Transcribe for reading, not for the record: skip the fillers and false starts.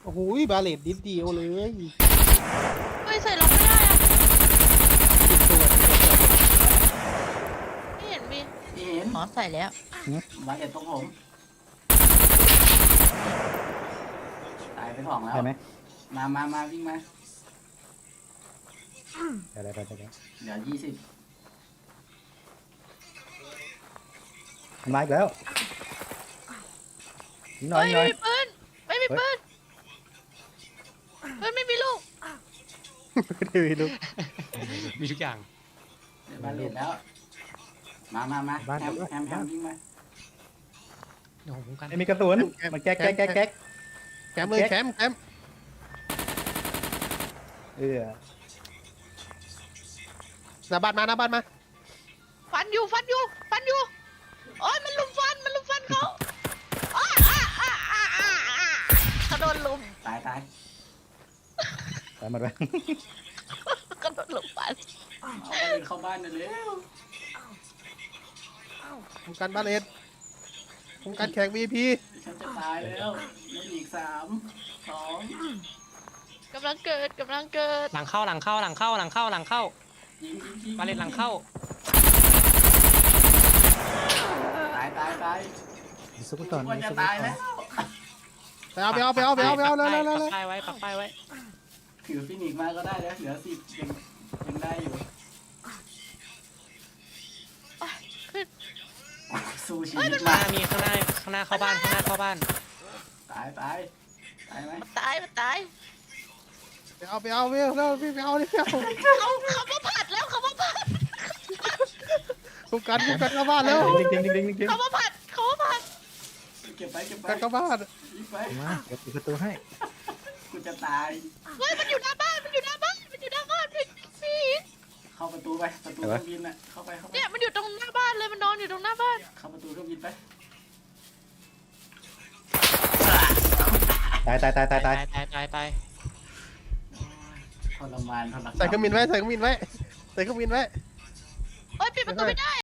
โอ้โหบาเลตนิดเดียวเลยเฮ้ยใส่ล็อกไม่ได้อะไม่เห็นมีเห็นอ๋อใส่แล้วมาเด็ดตรงผมตายไปสองแล้วได้ไหมมาวิ่งมาได้เดี๋ยว20 มันมาอีกแล้วยิงหน่อยเฮ้ยยิงหน่อยไม่มีปืนไม่มีปืนปืนไม่มีลูกดีลูกมีทุกอย่างเดี๋ยวมาเด็ดแล้วมาแฮมวิ่งมาเดี๋ยวผมกันไม่มีกระสุนมันแก๊กแคมเลยแคม หน้าบ้านมาฟันอยู่โอ้ยมันลุมฟันเขาเขาโดนลุมตายตายหมดไปเขาโดนลุมฟันเอาไปเลยเข้าบ้านเลยเร็วทำการบาเลตทำการแข่ง VP ฉันจะตายแล้วไม่อีก3 2 กำลังเกิดหลังเข้ายิงมาเล่นหลังเข้าตายซุกก่อนควรจะตายแล้วไปเอาแล้วปักป้ายไว้ถือฟินิกมาก็ได้แล้วเหลือ10ยังได้อยู่ขึ้นสู้ชีเฮ้ยวิมัตนมามีข้างหน้าเข้าบ้านตายไหมมันตายไปเอาแล้วพี่ไปเอาดิพี่เอาเขามาผัดแล้วเขามาผัดทุกการเข้าบ้านแล้วจริงเขามาผัดเก็บไปการเข้าบ้านยิงไปมาเดี๋ยวปิดประตูให้กูจะตายเฮ้ยมันอยู่หน้าบ้านพี่เข้าประตูเครื่องบินน่ะเข้าไปเนี่ยมันอยู่ตรงหน้าบ้านเลยมันนอนอยู่ตรงหน้าบ้านเข้าประตูเครื่องบินไปตายตายทรมานใส่เครื่องบินไว้เอ้ยปิดประตูไม่ได้